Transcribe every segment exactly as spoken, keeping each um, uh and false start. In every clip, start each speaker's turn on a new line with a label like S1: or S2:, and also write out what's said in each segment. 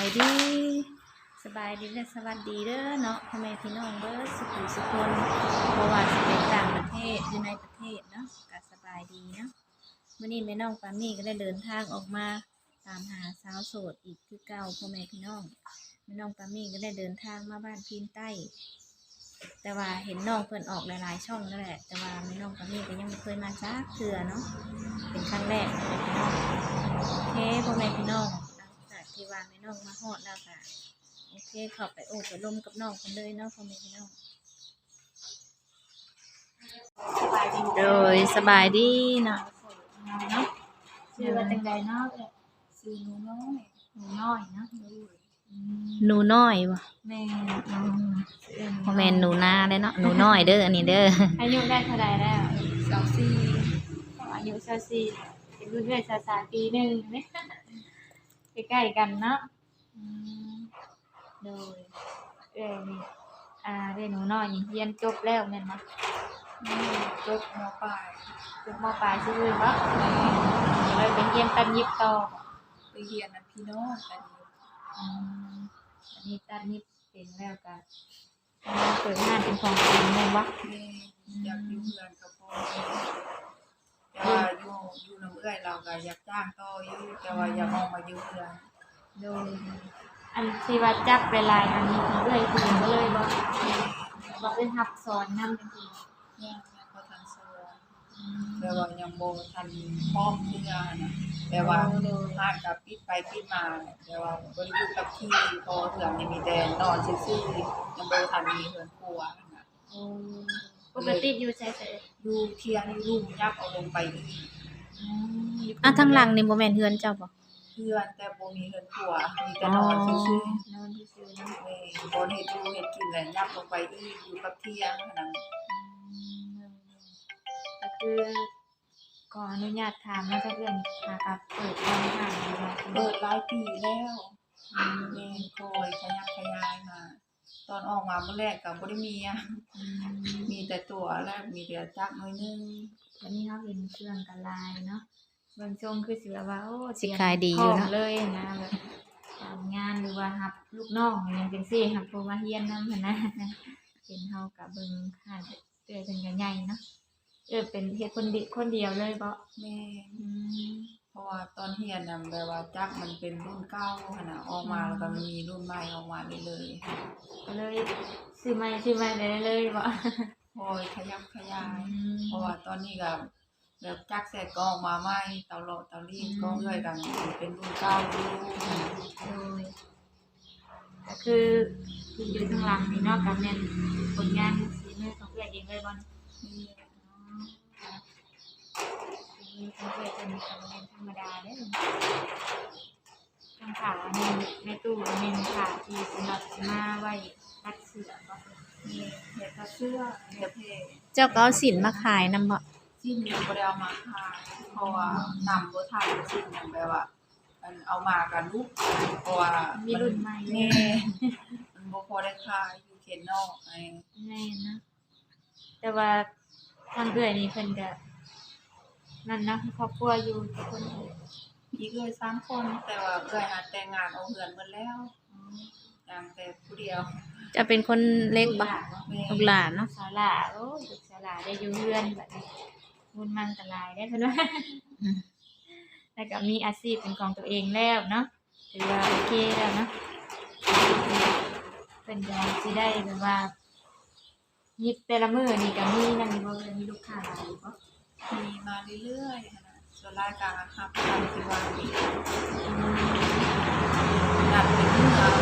S1: ดีสบายดีและสวัสดีเด้อเนาะพ่อแม่พี่น้องเบิดสุขุสุคนบ่ว่าสิเป็นต่างประเทศหรือในประเทศเนาะก็สบายดีเนาะมื้อนี้แม่น้องปามี่ก็ได้เดินทางออกมาตามหาสาวโสดอีกคือเก่าพ่อแม่พี่น้องแม่น้องปามี่ก็ได้เดินทางมาบ้านพีนใต้แต่ว่าเห็นน้องเพิ่นออกหลายๆช่องนั่นแหละแต่ว่าแม่น้องปามี่ก็ยังไม่เคยมาจักเทื่อเนาะเป็นครั้งแรกพ่อแม่พี่น้องโอเคพ่อแม่พี่น้องที่ว่าแม่น้องมาฮอดแล้วค่ะโอเคเข้าไปโอ้ไปร่มกับน้องคนเลยเนาะพ่อแม่พี่น้องโดยสบายดีเนาะเนาะชื่อว่าจังใดเนาะชื่อหนูน้อยหนูน้อยเนาะหนูน้อยวะแม่พ่อแม่หนูนาได้เนาะหนูน้อยเด้ออันนี้เด้ออายุได้เท่าไรแล้วสองสี่อายุสองสี่เป็นรุ่นเรื่อยสาปีหนึ่งเนี่ยใกล้ๆกันเนาะโดยเอ้นี่อ่าได้หนูน้อยเรียนจบแล้วแม่นบ่จบม.ปลายจบม.ปลายซื่อๆบ่เลยไปเรียนตัดเย็บต่อไปเรียนอันพี่น้องตัดเย็บอืมอันนี้ตัดเย็บเป็นแล้วก็เปิดงานเป็นของตัวเองแม่นบ่แม่อยากอยู่เพื่อนกับพ่อแต่ว่าอยู่อยู่น้ำเอื้อยเราก็อยากจ้างต่ออยู่แต่ว่าอยากออกมาอยู่เพื่อนโดยอันที่ว่าจักไปหลายอันนี้เอื้อยคือก็เลยบ่บ่ได้รับสอนนำจังซี่ยังยังบ่ทันสอนแต่ว่ายังบ่ทันพร้อมเพื่อนะแต่ว่าร้านก็ปิดไปปิดมาแต่ว่าบ่ได้อยู่กับที่พอเพื่อนยังมีแต่นอนซื่อๆยังบ่ทันมีเพื่อนครัวน่ะอ๋อปกติอยู่ไสๆอยู่เที่ยงอยู่ลุ่มยับเอาลงไปอีกอืมอ่ะทางหลังนี่บ่แม่นเฮือนเจ้าบ่เฮือนแต่บ่มีเฮือนครัวมีแต่นอนซื่อๆนอนซื่อๆเนาะแม่บ่เฮ็ดอยู่เฮ็ดกินแล้วยับลงไปอีกอยู่กับเที่ยงเท่านั้นอืมก็คือขออนุญาตถามว่าจะเอื้อนหากับเปิดร้านอาหารบ่เปิดหลายปีแล้วอืมแม่คอยขยับขยายมาตอนออกมาเมื่อแรกก็บ่ได้มีอ่ะมีแต่ตัวแล้วมีแต่จักน้อยนึงวันนี้เฮาเห็นเครื่องก็หลายเนาะเบิ่งทรงคือสิแบบว่าโอ้สิขายดีอยู่เนาะเลยนะแบบการงานหรือว่ารับลูกน้องอิหยังจังซี่รับผู้มาเรียนนำหั่นนะเห็นเฮาก็เบิ่งค่าเอื้อยเพิ่นก็ใหญ่เนาะเอ้อเป็นเฮ็ดคนดิคนเดียวเลยบ่แม่อืมเพราะว่าตอนเรียนน่ะแบบว่าจักมันเป็นรุ่นเก่าหั่นน่ะออกมาแล้วก็มันมีรุ่นใหม่ออกมาเรื่อยๆก็เลยซื้อใหม่ซื้อใหม่ได้เลยบ่โอ้ยขยับขยายเพราะว่าตอนนี้ก็แบบจักเสร็จก็ออกมาใหม่เตาหลอดเตารีดก็เอื้อยกันเป็นรุ่นเก่าอยู่โอ้ยก็คือที่อยู่ข้างหลังนี่เนาะก็แม่นผลงานฝีมือของเอื้อยเองเลยบ่นี่มีเพื่อนเป็นเป็นธรรมดาเด้อทางขาในในตู้เมนขาที่สำหรับมาไว้ตัดเสื้อบ่มีเฮ็ดตัดเสื้อเฮ็ดเพเจ้าก็เอาสินมาขายนำบ่สินบ่ได้เอามาขายเพราะว่านำบ่ทันสินหยังแบบว่าอันเอามาก็ลุกเพราะว่ามีรุ่นใหม่แม่มันบ่พอได้ขายอยู่เขตนอกไอ้แม่นนะแต่ว่าทางเอื้อยนี่เพิ่นก็นั่นนะครอบครัวอยู่ทุกคนมีเอื้อยสามคนแต่ว่าเอื้อยหาแต่งงานเอาเฮือนหมดแล้วอืออย่างแต่ผู้เดียวจะเป็นคนเล็กบ่ลูกหลานเนาะศาลาโอ้ลูกศาลาได้อยู่เฮือนบัดนี้บุญมันก็หลายได้เพิ่นว่าแล้วก็มีอาชีพเป็นของตัวเองแล้วเนาะถือว่าโอเคแล้วเนาะเพิ่นก็สิได้แบบว่ายิบแต่ละมื้อนี่ก็มีนั่นบ่มีลูกค้าหลายบ่มีมาเรื่อยๆหั่นน่ะส่วนรายการรับทำที่ว่านี่นัดเป็นมื้อเอา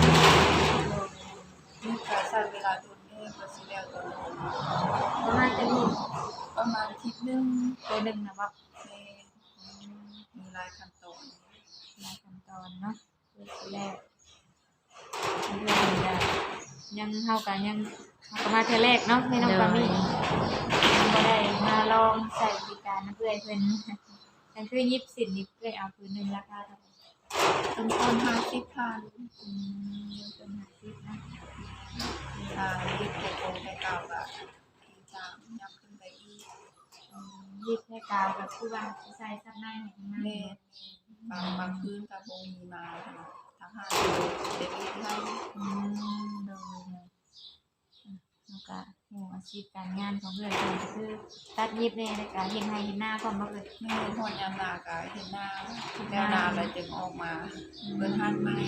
S1: มีก็ใช้เวลาโดนแน่กว่าสิแล้วก็ประมาณจักมื้อประมาณอาทิตย์นึงตัวนึงน่ะบ่แม่มีหลายขั้นตอนหลายขั้นตอนเนาะคือสิแล้วเรื่องก็ยังเฮาก็ยังเฮาก็มาเทื่อแรกเนาะแม่น้องปามี่ยังบ่ได้มาลองใช้บริการนำเอื้อยเพิ่นนั่นคือยิบสินนี่เอื้อยเอาผืนนึงราคาเท่าใดต้นต้นห้าสิบพันอืมต้นห้าสิบนะอ่ายิบแต่โครงแต่เก่าก็ที่สามยับขึ้นไปอีกอืมยิบแต่เก่าก็คือว่าสิใส่ซับในให้ข้างในแม่บางบางพื้นก็บ่มีมาทางท
S2: หาเด็กไทย
S1: อืมโดยโดยอืมแล้วก็ฮู้อาชีพการงานของเอื้อยเพิ่นก็คือตัดเย็บแน่แล้วก็เฮ็ดไร่เฮ็ดนาพร้อมบ่เอ่ย
S2: แม่ฮอดยามหน้าก็เฮ็ดนาแล้วนาแล้วจึงออกมาเบิ่นหัดใหม่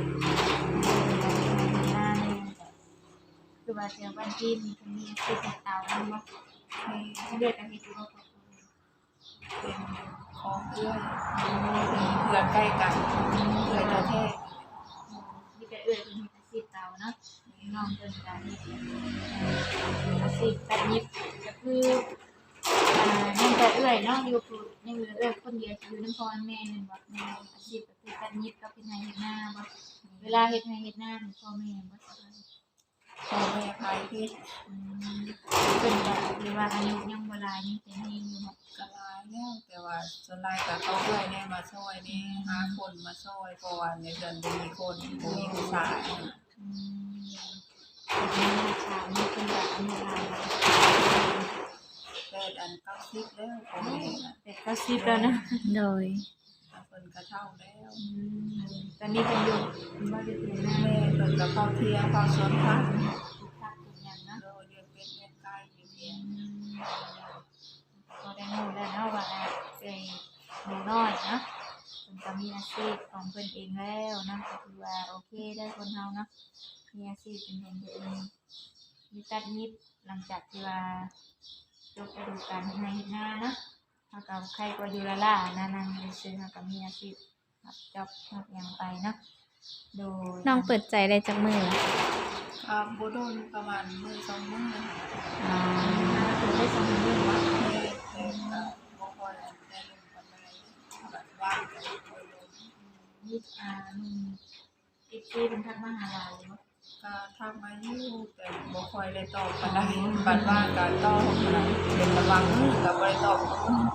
S1: คือว่าเสียวันที่มีคนมีอาชีพเฮ็ดเตาแม่นบ่
S2: มี
S1: เลือกกันเฮ็ดอยู่บ่ครอบครัว
S2: เป็นของเอื้อยมีเพื่อนใกล้กันเอื้อยแท้
S1: มีแต่เอื้อยเพิ่นเฮ็ดอาชีพเตาเนาะน้องเพิ่นก็เฮ็ดอาชีพตัดเย็บก็คืออ่ายังแต่เอื้อยเนาะอยู่คือยังเหลือเอื้อยคนเดียวอยู่นำพ่อแม่แม่นบ่แม่อาชีพก็คือตัดเย็บกับเฮ็ดไร่เฮ็ดนาบ่เวลาเฮ็ดไร่เฮ็ดนานี่พ่อแม่บ่สบาย
S2: ๆพ่อแม่พายพิษ
S1: อืมเพิ่นก็หรือว่าอายุยังบ่หลายยังเป็นแรงอยู่บ่
S2: ก็หลายแล้วแต่ว่าส่วนหลายก็เขาเอื้อยแน่มาช่วยแน่หาคนมาช่วยเพราะว่าในเรือนบ่มีคนบ่มีผู้ชาย
S1: อืมเป็นลูกชายนี่เพิ่นก็อายุหลายแล้ว
S2: แต่อันเก้าสิบแล้วพ่อแม่น่ะ
S1: แต่ก็สิบแล้วนะโดย
S2: เพิ่นก็เฒ่าแล้ว
S1: อืมตอนนี้เพิ่นอยู่บ่ได้เป็นหน้า
S2: แม่เพิ่นก็เข้าเที่ยงเข้าสวนผัก
S1: ปลูกผักปลูกหยังเนาะ
S2: โดยเลี้ยงเป็ดเลี้ยงไก่อยู่เที่ยง
S1: อืมก็ได้รู้แล้วเนาะว่าเอ้ยหนูน้อยเนาะเพิ่นก็มีอาชีพของเพิ่นเองแล้วเนาะก็ถือว่าโอเคเด้อคนเฮาเนาะมีอาชีพเป็นของตัวเองมีตัดเย็บหลังจากที่ว่าจบฤดูกาลเฮ็ดไร่เฮ็ดนาเนาะเฮาก็ใครก็อยู่ละล่ะนะนั่งซื่อๆเฮาก็มีอาชีพรับจ็อบรับหยังไปเนาะโดยน้องเปิดใจได้จักมื้อล่ะ
S2: ก็บ่โดนประมาณมื้อสองมื้อ
S1: อ๋อเปิดได้สองมื้อบ่
S2: แม่แต่ก็บ่ค่อยได้ลงปานใดแบบว่างก็บ่ค่อยลง
S1: มีอ่ามีเอฟซีเพิ่นทักมาหาหลายอยู่บ่
S2: ก็ทักมาอยู่แต่บ่ค่อยได้ตอบปานใดบัดว่างก็ตอบปานใดเป็นบางมื้อก็บ่ได้ตอบ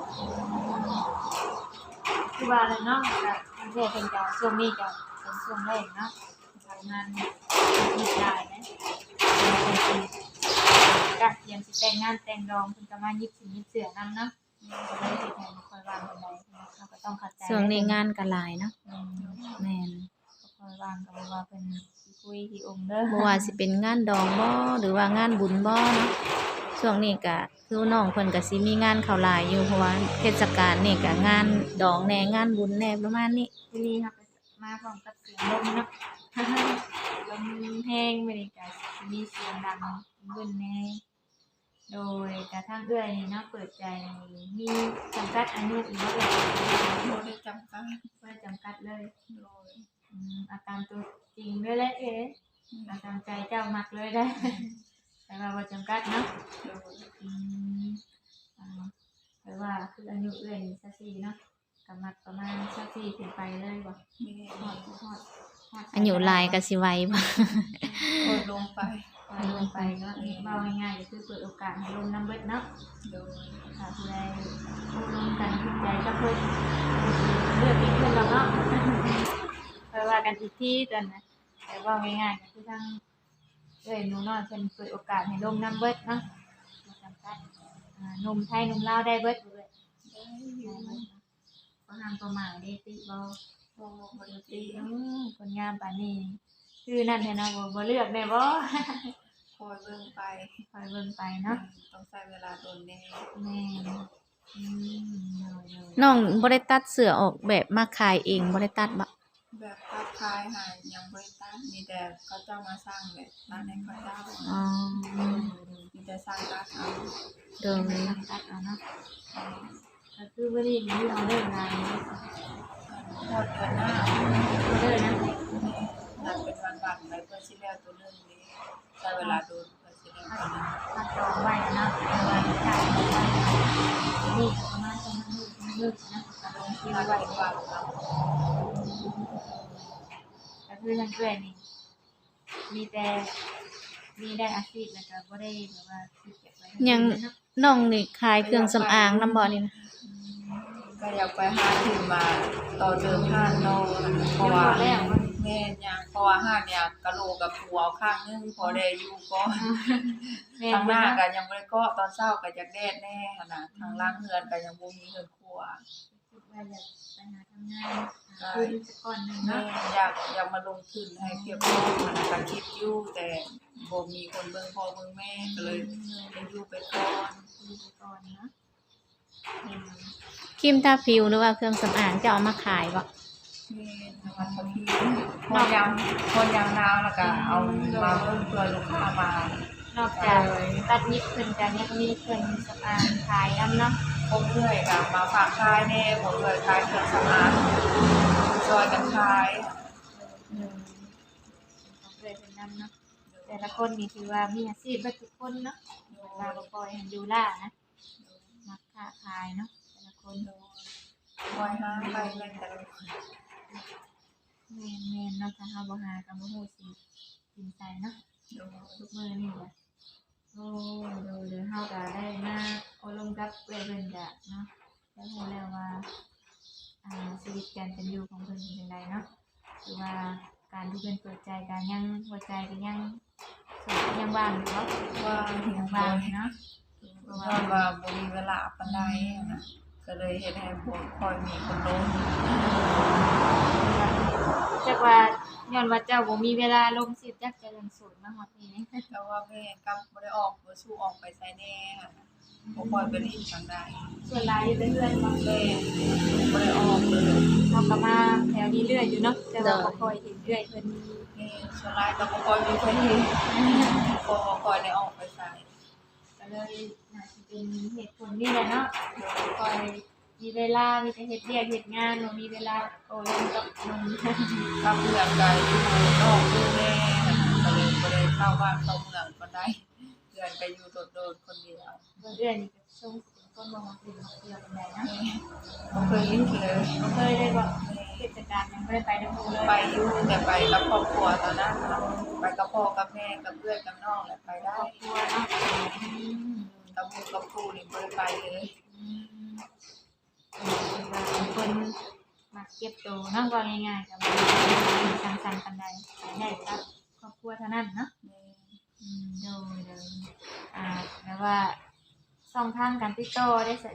S1: คือว่าแหละเนาะก็ทางแท้เพิ่นก็ช่วงนี้ก็เป็นช่วงแรกเนาะทำงานมีหลายนะเพิ่นสิก็เตรียมสิแต่งงานแต่งดองเพิ่นก็มายิบสิยิบเสื้อนำเนาะก็เลยเฮ็ดให้บ่ค่อยว่างปานใดเราก็ต้องเข้าใจช่วงนี้งานก็หลายเนาะอืมแม่นบ่ค่อยว่างก็บ่ว่าเพิ่นสิคุยสิอมเด้อบ่ว่าสิเป็นงานดองบ่หรือว่างานบุญบ่เนาะช่วงนี้ก็คือน้องเพิ่นก็สิมีงานเข้าหลายอยู่เพราะว่าเทศกาลนี่ก็งานดองแหน่งานบุญแหน่ประมาณนี้มื้อนี้เราก็มาพร้อมกับเสียงลมเนาะลมแรงมื้อนี้ก็สิมีเสียงดังเบิ่นแหน่โดยกระทั่งเอื้อยนี่เนาะเปิดใจมีจำกัดอายุอีกบ่เอ่ย
S2: บ่ได้จำกัด
S1: บ่ได้จำกัดเลย
S2: โดย
S1: อืมเอาตามตัวจริงเลยแหละเอ๊เอาตามใจเจ้ามักเลยได้แต่ว่าบ่จำกัดเนาะ
S2: โดย
S1: อืมอ่าแต่ว่าคืออายุเอื้อยนี่สักสี่เนาะก็มักประมาณสักสี่ขึ้นไปเลยบ่
S2: แม่
S1: ฮอดฮอดฮอดอายุหลายก็สิไวบ่
S2: โอดลงไป
S1: ปล่อยลงไปเนาะเว้าง่ายๆก็คือเปิดโอกาสให้ลงนำเบิดเนาะ
S2: โดย
S1: ถ้าผู้ใดผู้ลงกันถูกใจก็เพิ่นเลือกอีกเพิ่นแล้วเนาะค่อยว่ากันอีกทีตอนน่ะแต่เว้าง่ายๆก็คือทางเอ้ยหนูน้อยเพิ่นเปิดโอกาสให้ลงนำเบิดเนาะบ่จำกัดอ่าหนุ่มไทยหนุ่มลาวได้เบิดเบิด
S2: ได้อยู่
S1: ได้เบิดบ่ห้ามประมาทเด้ติบ่
S2: บ่บ่ได้ติ
S1: อือคนงามปานนี้คือนั่นแท้เนาะบ่บ่เลือกแน่บ่
S2: คอยเบิ่งไป
S1: คอยเบิ่งไปเนาะ
S2: ต้องใช้เวลาโดนแน่
S1: แม่นอืมน้องบ่ได้ตัดเสื้อออกแบบมาขายเองบ่ได้ตัดบ่
S2: แบบตัดขายให้ยังบ่ได้ตัดมีแต่เขาเจ้ามาสร้างแบบตัดให้เขาเจ้า
S1: อ๋อ
S2: มีแต่สร้างตัดเอา
S1: โดยตัดเอาเนาะก็คือบ่ได้มีออเดอร์งาน
S2: หมดเดือนหน้า
S1: ออเดอร์นะ
S2: ตัดเป็นวันๆไปเพื่อสิแล้วตัวนึงนี้ใช้เวลาโดนเพื่อสิแล้วตัวนึง
S1: ตัดจองไว้เนาะแต่ว่าจ่ายไปนี่ประมาณประมาณนึงนะก็ลงที่ไว้ว่าก็คือทางเพื่อนนี่มีแต่มีได้อาชีพแล้วก็บ่ได้แบบว่าคิดเก็บไว้ยังน้องนี่ขายเครื่องสำอางนำบ่นี่นะ
S2: ก็อยากไปหาที่มาต่อเติมห้านน้องเพราะว่าแม่นยังเพราะว่าห้านเนี่ยกะโหลกกับผัวข้างนึงพอได้อยู่ก็ทางหน้าก็ยังบ่ได้เกาะตอนเช้าก็อยากแดดแน่หั่นน่ะทางล่างเฮือนก็ยังบ่มีเฮือนครัว
S1: ดว่าอยากไปหาทำงานหาทุนสักก้อนหนึง
S2: แม่
S1: เนาะ
S2: อยากอยากมาลงทุนให้เพียบพร้อมมันก็คิดอยู่แต่บ่มีคนเบิ่งพ่อเบิ่งแม่ก็เลยได้อยู่ไปก่อน
S1: ดูไปก่อนเนาะ
S2: อืม
S1: ครีมทาผิวหรือว่าเครื่องสำอางจะเอามาขายบ่
S2: แม่นวัดพระพีพอยามพอยามหนาวแล้วก็เอามาเพิ่มเพื่อลูกค้ามาน
S1: อกจากตัดนิดเพิ่นก็ยังมีเครื่องสำอางขายนำเนาะ
S2: ผมเรื่อยก็มาฝากขายแน่ผมเลยขายเครื่องสำอางช่วยกันขาย
S1: อืมต้องเลยเป็นนำเนาะแต่ละคนนี่ถือว่ามีอาชีพเบิดทุกคนเนาะว่าบ่ปล่อยให้ดูล่านะมักค้าขายเนาะแต่ละคน
S2: คอยหาไปแม่นแต่ละคน
S1: แม่นแม่นเนาะถ้าเฮาบ่หาก็บ่ฮู้สิกินใจเนาะทุกมื้อนี่แหละโอ้โดยเดี๋ยวเฮาก็ได้มาอบรมกับเอื้อยเพิ่นก็เนาะได้ฮู้แล้วว่าอ่าชีวิตการเป็นอยู่ของเพิ่นเป็นจังไดเนาะคือว่าการที่เพิ่นเปิดใจกันยังหัวใจก็ยังโสดยังว่างอยู่เนาะ
S2: ว่า
S1: ยังว่างอยู่เนาะ
S2: เพราะว่าว่าบ่มีเวลาปานใดนะก็เลยเฮ็ดให้บ่ค่อยมีคนลง
S1: จักว่าย้อนว่าเจ้าบ่มีเวลาลงสิจักจะเรื่องโสดมาฮอดนี่
S2: แต่ว่าแม่กับบ่ได้ออกบ่สู้ออกไปไสแน่ค่ะบ่ค่อยไปรีบทางใด
S1: ส่วนหลายอยู่แต่เฮือนเนาะ
S2: แม่บ่ได้ออกเลย
S1: เฮาก็มาแถวนี้เรื่อยอยู่เนาะแต่ว่าบ่ค่อยเห็นเรื่อยเพิ่น
S2: แม่ส่วนหลายก็บ่ค่อยมีคนเห็นบ่ค่อยได้ออกไปไส
S1: ก็เลยน่าสิเป็นเหตุผลนี่แหละเนาะบ่ค่อยมีเวลามีแต่เฮ็ดเวียกเฮ็ดงานบ่มีเวลาโอ้ลงกับนม
S2: กับเรื่องใดอยู่นอกอยู่แน่ก็เลยบ่ได้เข้าบ้านเข้าเมืองปานใดเดือนก็อยู่โดดๆคนเดียว
S1: เบิ่งเอื้อยนี่ก็ทรงสิเป็นคนบ่มักเล่นมักเที่ยวปานใดนะ
S2: บ่เคยลิ้นเลย
S1: บ่เคยได้บ่เทศกาลยังบ่ได้ไปนำหมู่เลย
S2: ไปอยู่แต่ไปกับครอบครัวตอนนั้นเราไปกับพ่อกับแม่กับเพื่อนกับน้องแหละไปได้
S1: ครอบครัวเนาะอืม
S2: กับหมู่กับครูนี่บ่ได้ไปเลย
S1: อืมเป็นคนมักเก็บตัวเนาะว่าง่ายๆก็บ่ได้สังสรรค์ปานใดได้ครับครอบครัวเท่านั้นเนาะ อืมโดยโดยอ่าแปลว่าช่องทางการติดต่อได้เสร็จ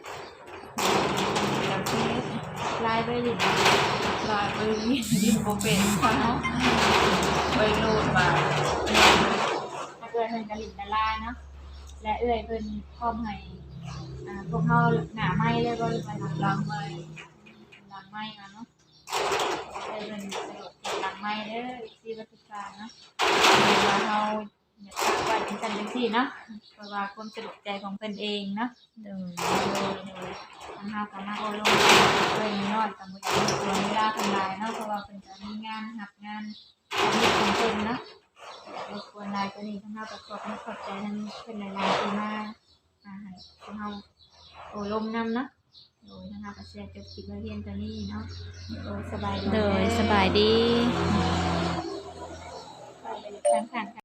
S2: แล้วที่
S1: ไลน์ไปหรือ
S2: ลายไปนี่ดินบ่เป็นค่ะเนาะไปโลดมา
S1: ถ้าเกิดเพิ่นกะหลินดาราเนาะและเอื้อยเพิ่นพร้อมให้อ่าพวกเฮาหน้าไม้เลยบ่หรือว่าหลัง
S2: ล้างไม้
S1: หลังไม้อ่ะเนาะเอื้อยเพิ่นสะดวกเก็บหลังไม้เด้อที่วัดทุกการเนาะว่าเฮาอยากฝากไว้เป็นจังจังซี่เนาะเพราะว่าความสะดวกใจของเพิ่นเองเนาะ
S2: เดิน
S1: ทางเฮาก็มาอบรมเพิ่นน้อยกับบ่อยากให้ตัวเวลาเพิ่นหลายเนาะเพราะว่าเพิ่นก็มีงานรับงานของเพิ่นเนาะอยากรบกวนหลายตัวนี้ทางเฮาก็ขอบคุณขอบใจทางเพิ่นหลายๆที่มาอ่าให้ทางเฮาอบรมนำเนาะโดยทางเฮาก็เสียจบคลิปไว้เพียงเท่านี้เนาะโดยสบายดี
S3: โดยสบายดี
S1: ไปเลยทาง